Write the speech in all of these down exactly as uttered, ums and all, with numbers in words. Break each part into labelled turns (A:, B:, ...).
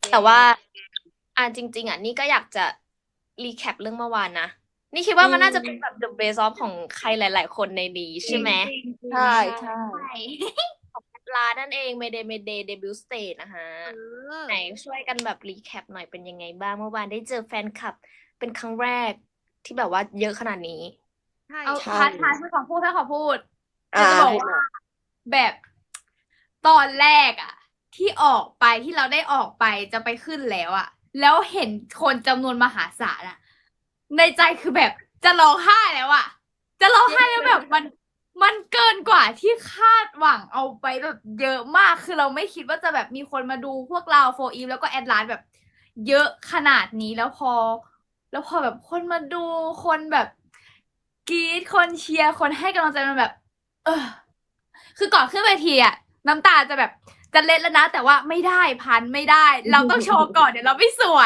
A: แต่ว่าอ่าจริงๆอ่ะนี่ก็อยากจะรีแคปเรื่องเมื่อวานนะนี่คิดว่ามันน่าจะเป็นแบบ the best of ของใครหลายๆคนในนี้
B: จริง
A: ใช่ไหม
B: จริงจริ
C: ใช่
B: ง
C: ใช่
B: ใช่
A: ของลานั่นเอง Mayday Mayday Debut Stage นะคะ
B: เออ
A: ไหนช่วยกันแบบรีแคปหน่อยเป็นยังไงบ้างเมื่อวานได้เจอแฟนคลับเป็นครั้งแรกที่แบบว่าเยอะขนาดนี้
B: ใช่
D: เอา
C: ใช่
D: ท้าท้ายไม่ขอพูดถ้าขอพูด
C: อ่า
D: จะบอก
C: ให้
D: ว่า
C: มา
D: แบบตอนแรกอะที่ออกไปที่เราได้ออกไปจะไปขึ้นแล้วอะแล้วเห็นคนจำนวนมหาศาลอะในใจคือแบบจะร้องไห้แล้วอะจะร้องไห้แล้วแบบมันมันเกินกว่าที่คาดหวังเอาไปแบบเยอะมากคือเราไม่คิดว่าจะแบบมีคนมาดูพวกเราโฟอีฟแล้วก็แอดลานแบบ เยอะขนาดนี้แล้วพอ แล้วพอแบบคนมาดูคนแบบกรี๊ดคนเชียร์คนให้กำลังใจมันแบบ เออ คือก่อนขึ้นเวทีอะน้ำตาจะแบบจะเล็ดแล้วนะ แต่ว่าไม่ได้พันไม่ได้ เราต้องโชว์ก่อนเดี๋ยวเราไม่สวย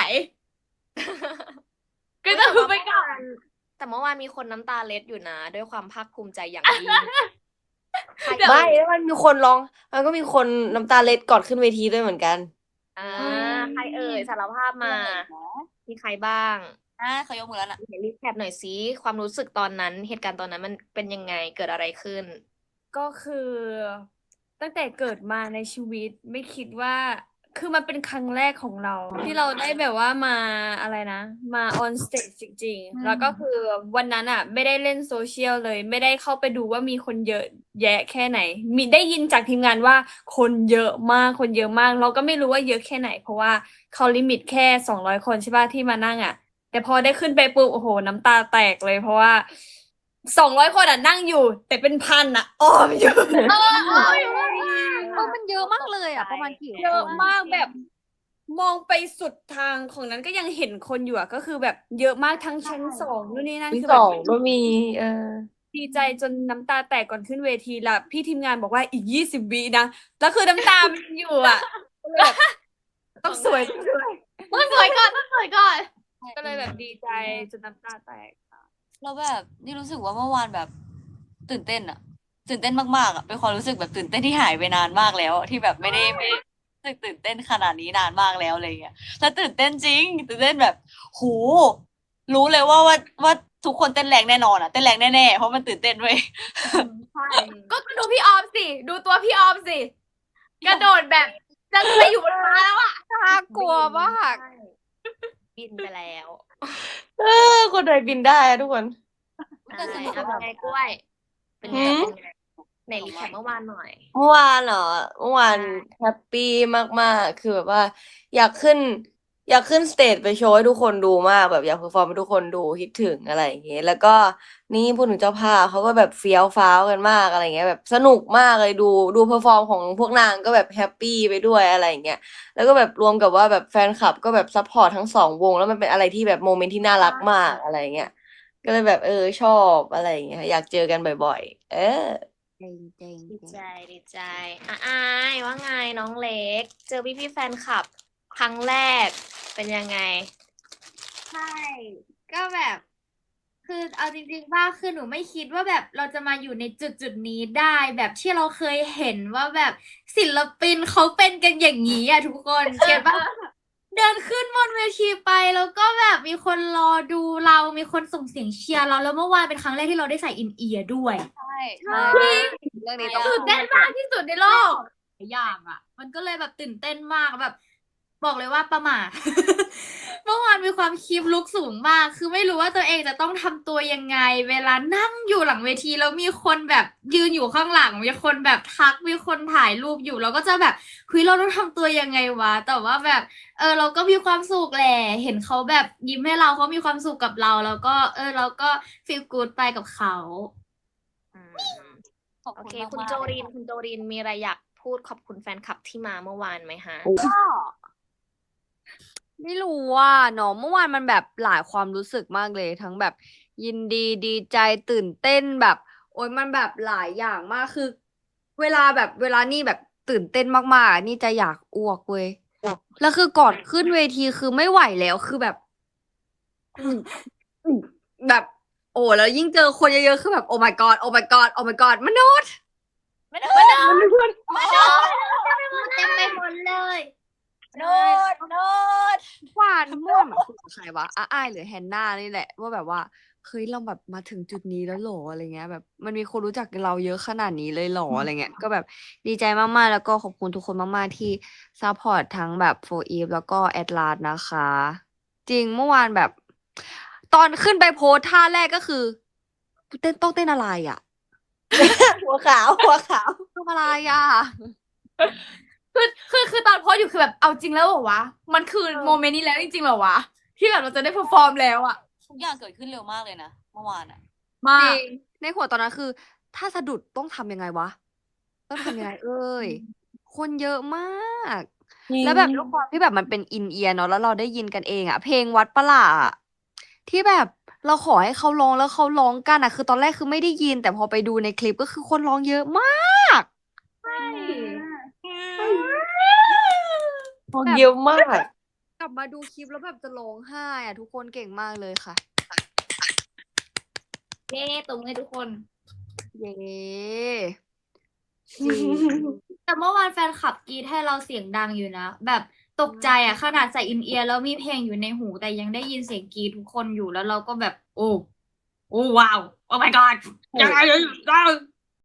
D: ก็ต้องคือไปก่อน
A: แต่เมื่อวานมีคนน้ำตาเล็ดอยู่นะ ด้วยความภาคภูมิใจอย่างยิ่งใคร
D: เดี๋ยว
C: ไม่แล้วมันมีคนร้องมันก็มีคนน้ำตาเล็ดก่อนขึ้นเวทีด้วยเหมือนกัน
A: อ่าใครเอ่ยสารภาพมา มีใครบ้าง
E: อ่าเขายกมือแล้วนะ
A: เห็นรีแคปหน่อยสิความรู้สึกตอนนั้น เหตุการณ์ตอนนั้นมันเป็นยังไงเกิดอะไรขึ้น
B: ก็คือตั้งแต่เกิดมาในชีวิตไม่คิดว่าคือมันเป็นครั้งแรกของเรา ที่เราได้แบบว่ามาอะไรนะ มาออนสเตจจริง
D: อืม
B: ๆ แล้วก็คือวันนั้นอ่ะ ไม่ได้เล่นโซเชียลเลย ไม่ได้เข้าไปดูว่ามีคนเยอะแยะแค่ไหน มีได้ยินจากทีมงานว่าคนเยอะมากคนเยอะมาก เราก็ไม่รู้ว่าเยอะแค่ไหน เพราะว่าเขาลิมิตแค่สองร้อยคนใช่ป่ะที่มานั่งอ่ะ แต่พอได้ขึ้นไปปุ๊บโอ้โหน้ำตาแตกเลย เพราะว่าสองร้อยคนอ่ะนั่งอยู่ แต่เป็นพันอ่ะอ้อมอยู่
E: เออเออเออมันเยอะมากเลยอ่ะ ประมาณกี่
B: เยอะ
E: คน
B: มากแบบมองไปสุดทางของนั้นก็ยังเห็นคนอยู่อะก็คือแบบเยอะมากทั้งชั้นสองนู่นนี่นั่น
C: ที่
B: คือ
C: ส
B: แบ
C: อบ งก็มี เออ
B: ดีใจจนน้ำตาแตกก่อนขึ้นเวทีละพี่ทีมงานบอกว่าอีกยี่สิบวินะแล้วคือน้ำตามันยังอยู่อะก็เลยแบบต้องสวยต้องสวย
D: ต้องสวยก่อนต้องสวยก่อน
B: ก็เลยแบบดีใจจนน้ำตาแตก
E: แล้วแบบนี่รู้สึกว่าเมื่อวานแบบตื่นเต้นอะตื่นเต้นมากๆอะเป็นความรู้สึกแบบตื่นเต้นที่หายไปนานมากแล้วอะที่แบบไม่ได้ไม่ได้รู้สึกตื่นเต้นขนาดนี้นานมากแล้วอะไรเงี้ยแล้วตื่นเต้นจริงตื่นเต้นแบบโหรู้เลยว่าว่าว่าทุกคนเต้นแรงแน่นอนอะเต้นแรงแน่ๆเพราะมันตื่นเต้นเว้ย
D: ใช่ก็ดูพี่ออมสิ ดูตัวพี่ออมสิ กระโดดแบบจะไปอยู่บนฟ้าแล้วอะ
E: น่ากลัวมาก
A: บินไปแล้ว
C: เออ คนไทยบินได้อะทุกคน
E: แต่ส
A: ใช่
E: นุก
A: เอา
E: แบบ
A: ไงกล้วย เป็นไง
C: หืม
A: เป็นไงไหนรีแคปเมื่อวานหน่อย
C: เมื่อวานเหรอเมื่อวานแฮปปี้มากๆ คือแบบว่า อยากขึ้น อยากขึ้นสเตจไปโชว์ให้ทุกคนดูมากแบบอยากเพอร์ฟอร์มให้ทุกคนดูคิดถึงอะไรอย่างเงี้ยแล้วก็นี่พูดถึงเจ้าภาพเขาก็แบบเฟี้ยวฟ้าวกันมากอะไรเงี้ยแบบสนุกมากเลยดูดูเพอร์ฟอร์มของพวกนางก็แบบแฮปปี้ไปด้วยอะไรอย่างเงี้ยแล้วก็แบบรวมกับว่าแบบแฟนคลับก็แบบซัพพอร์ตทั้งสองวงแล้วมันเป็นอะไรที่แบบโมเมนต์ที่น่ารักมากอะไรเงี้ยก็เลยแบบเออชอบอะไรอย่างเงี้ยอยากเจอกันบ่อยๆ เออ
E: จริงจริง
A: ดีใจดีใจอ่ะอายว่าไงน้องเล็ก เจอพี่พี่ๆแฟนคลับ ครั้งแรกเป็นยังไง
D: ใช่ ก็แบบ คือเอาจริงๆว่าคือหนูไม่คิดว่าแบบเราจะมาอยู่ในจุดจุดนี้ได้แบบที่เราเคยเห็นว่าแบบศิลปินเขาเป็นกันอย่างนี้อ่ะทุกคนเก็ตปะเดินขึ้นบนเวทีไปแล้วก็แบบมีคนรอดูเรามีคนส่งเสียงเชียร์เราแล้วเมื่อวานเป็นครั้งแรกที่เราได้ใส่อินเอียร์ด้วย
E: ใช่
D: ใช่
E: เรื่องนี้ต้อง
D: ตื่นเต้นมากที่สุดในโลกหลายอย่างอ่ะ มันก็เลยแบบตื่นเต้นมากแบบ บอกเลยว่าประหม่า เมื่อวานมีความคีปลุกสูงมาก คือไม่รู้ว่าตัวเองจะต้องทำตัวยังไง เวลานั่งอยู่หลังเวทีแล้วมีคนแบบยืนอยู่ข้างหลัง มีคนแบบทัก มีคนถ่ายรูปอยู่ เราก็จะแบบคุยเราต้องทำตัวยังไงวะ แต่ว่าแบบ เออเราก็มีความสุขแหละ เห็นเขาแบบยิ้มให้เราเขามีความสุขกับเรา แล้วก็ เออเราก็ฟีลกู๊ดไปกับเขา
A: อืม
E: ขอบ
A: โอ
E: คุณ
A: เค
E: มาก
A: คุณ
E: มาก
A: โจริน คุณโจรินมีอะไรอยากพูดขอบคุณแฟนคลับที่มาเมื่อวานไหมฮะ
E: ก็ไม่รู้ว่าเนาะเมื่อวานมันแบบหลายความรู้สึกมากเลย ทั้งแบบยินดีดีใจตื่นเต้นแบบ โอ้ยมันแบบหลายอย่างมากคือ เวลาแบบเวลานี่แบบตื่นเต้นมากๆอ่ะนี่จะอยากอ้วกเว้ยแล้วคือก่อนขึ้นเวทีคือไม่ไหวแล้วคือแบบ อืมอืมแบบ โอ้แล้วยิ่งเจอคนเยอะๆคือแบบโอ้ my god โอ้ my god โอ้ my god มนุษย์
A: ไม่ได้ไม่ได้
D: เต็มไปหมดเลย
A: โน้ตโน้ต
E: วันเหมือนคุยกับใครวะอาอ้ายหรือแฮนนานี่แหละว่าแบบว่าเฮ้ยเราแบบมาถึงจุดนี้แล้วเหรออะไรเงี้ยแบบมันมีคนรู้จักเราเยอะขนาดนี้เลยเหรออะไรเงี้ยก็แบบดีใจมากๆแล้วก็ขอบคุณทุกคนมากๆที่ซัพพอร์ตทั้งแบบโฟอีฟแล้วก็แอดลาสนะคะ จริงเมื่อวานแบบ ตอนขึ้นไปโพสท่าแรกก็คือเต้นต้องเต้นอะไรอ่ะ
C: หัวขาวหัวขาว
E: ทำอะไรอ่ะ
D: คือคือคือตอนโพสต์อยู่คือแบบเอาจริงแล้วเหรอวะ มันคือ
E: เออ
D: โมเมนต์นี้แล้วจริงๆเหรอวะ ที่แบบเราจะได้เพอร์ฟอร์มแล้วอะ
F: ทุกอย่างเกิดขึ้นเร็วมากเลยนะเมื่อวานอ่ะ
D: มา
E: จริ
D: ก
E: งในหัวตอนนั้นคือ ถ้าสะดุดต้องทำยังไงวะ ต้องทำยังไงเอ้ย คนเยอะมาก
C: จริง
E: แล้วแบบด้วยความที่แบบมันเป็นอินเอียร์เนาะแล้วเราได้ยินกันเองอะเพลงวัดประหลาอะที่แบบเราขอให้เขาร้องแล้วเขาร้องกันอะคือตอนแรกคือไม่ได้ยิน แต่พอไปดูในคลิปก็คือคนร้องเยอะมาก
C: คนเยอะมาก
E: กลับมาดูคลิปแล้วแบบจะร้องไห้อะทุกคนเก่งมากเลยค่ะ
D: เย้ตรงให้ทุกคน
E: เย้จริง
D: แต่เมื่อวานแฟนคลับกรีดให้เราเสียงดังอยู่นะ แบบตกใจอ่ะขนาดใส่อินเอียร์แล้วมีเพลงอยู่ในหู แต่ยังได้ยินเสียงกรีดทุกคนอยู่แล้วเราก็แบบ โอ้ โอ้ว้าว โอ้ my god ยังไง